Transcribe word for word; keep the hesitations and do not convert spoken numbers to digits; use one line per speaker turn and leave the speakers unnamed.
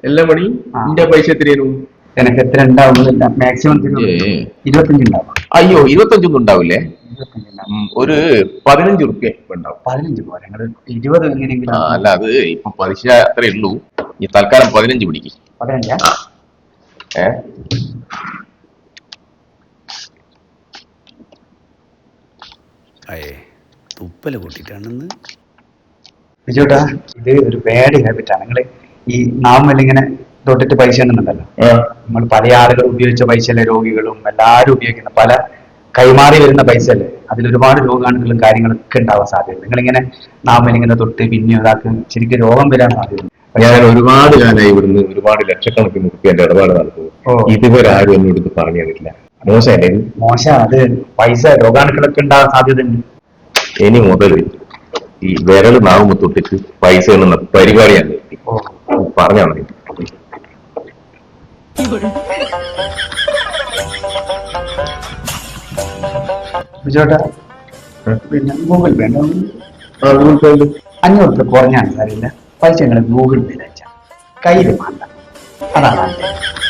എല്ലാം മണി എന്റെ പൈസ എത്രയായിരുന്നു?
എനിക്ക് എത്ര ഉണ്ടാവുന്നില്ല, മാക്സിമം ഇരുപത്തഞ്ച് ഉണ്ടാവും.
അയ്യോ, ഇരുപത്തഞ്ചൊന്നും ഉണ്ടാവില്ലേ? ഒരു പതിനഞ്ച് റുപ്യ ഉണ്ടാവും.
പതിനഞ്ച് പോരാ, ഞങ്ങള് ഇരുപത് എങ്ങനെയെങ്കിലും.
അല്ല, അത് ഇപ്പൊ പലിശ അത്രേ ഉള്ളൂ. ഈ തൽക്കാലം പതിനഞ്ച് പിടിക്കും.
പതിനഞ്ചാ?
ഏ
തുപ്പല് കൂട്ടിട്ടാണെന്ന്
ബിജുട്ടാ, ഇത് ഒരു ബാഡ് ഹാബിറ്റാണ്. നിങ്ങള് ഈ നാമല്ല ഇങ്ങനെ തൊട്ടിട്ട് പൈസ ഉണ്ടെന്നുണ്ടല്ലോ, നമ്മൾ പല ആളുകൾ ഉപയോഗിച്ച പൈസ അല്ലേ, രോഗികളും എല്ലാവരും ഉപയോഗിക്കുന്ന പല കൈമാറി വരുന്ന പൈസ അല്ലേ, അതിൽ ഒരുപാട് രോഗാണുക്കളും കാര്യങ്ങളൊക്കെ ഉണ്ടാവാൻ സാധ്യത. നിങ്ങളിങ്ങനെ നാമല്ല ഇങ്ങനെ തൊട്ട് പിന്നെ ഒരാൾക്ക് ശരിക്കും രോഗം വരാൻ സാധ്യത.
ഞാൻ ഒരുപാട് കാലമായി ഇവിടുന്ന് ഒരുപാട് ലക്ഷക്കണക്കിന് റുപ്യന്റെ ഇടപാട് നടത്തുന്നു. ഇതുവരെ ആരും എന്നോട് ഇത് പറഞ്ഞു തന്നിട്ടില്ല. മോശമല്ലേ?
മോശം. അത് പൈസ രോഗാണുക്കളൊക്കെ ഉണ്ടാവാൻ സാധ്യത ഉണ്ട്.
ഇനി മുതൽ ഈ വിരൽ നാവുമ്പോ തൊട്ടിട്ട് പൈസ എന്നുള്ള പരിപാടിയാണ് പറഞ്ഞാൽ മതി.
ബിജോട്ടാ, പിന്നെ ഗൂഗിൾ പേ അഞ്ഞൂറ് രൂപ കുറഞ്ഞാണ് സാറില്ല. പൈസ നിങ്ങൾ ഗൂഗിൾ പേയിൽ അയച്ചാൽ കയ്യിൽ വേണ്ട. അതാണ്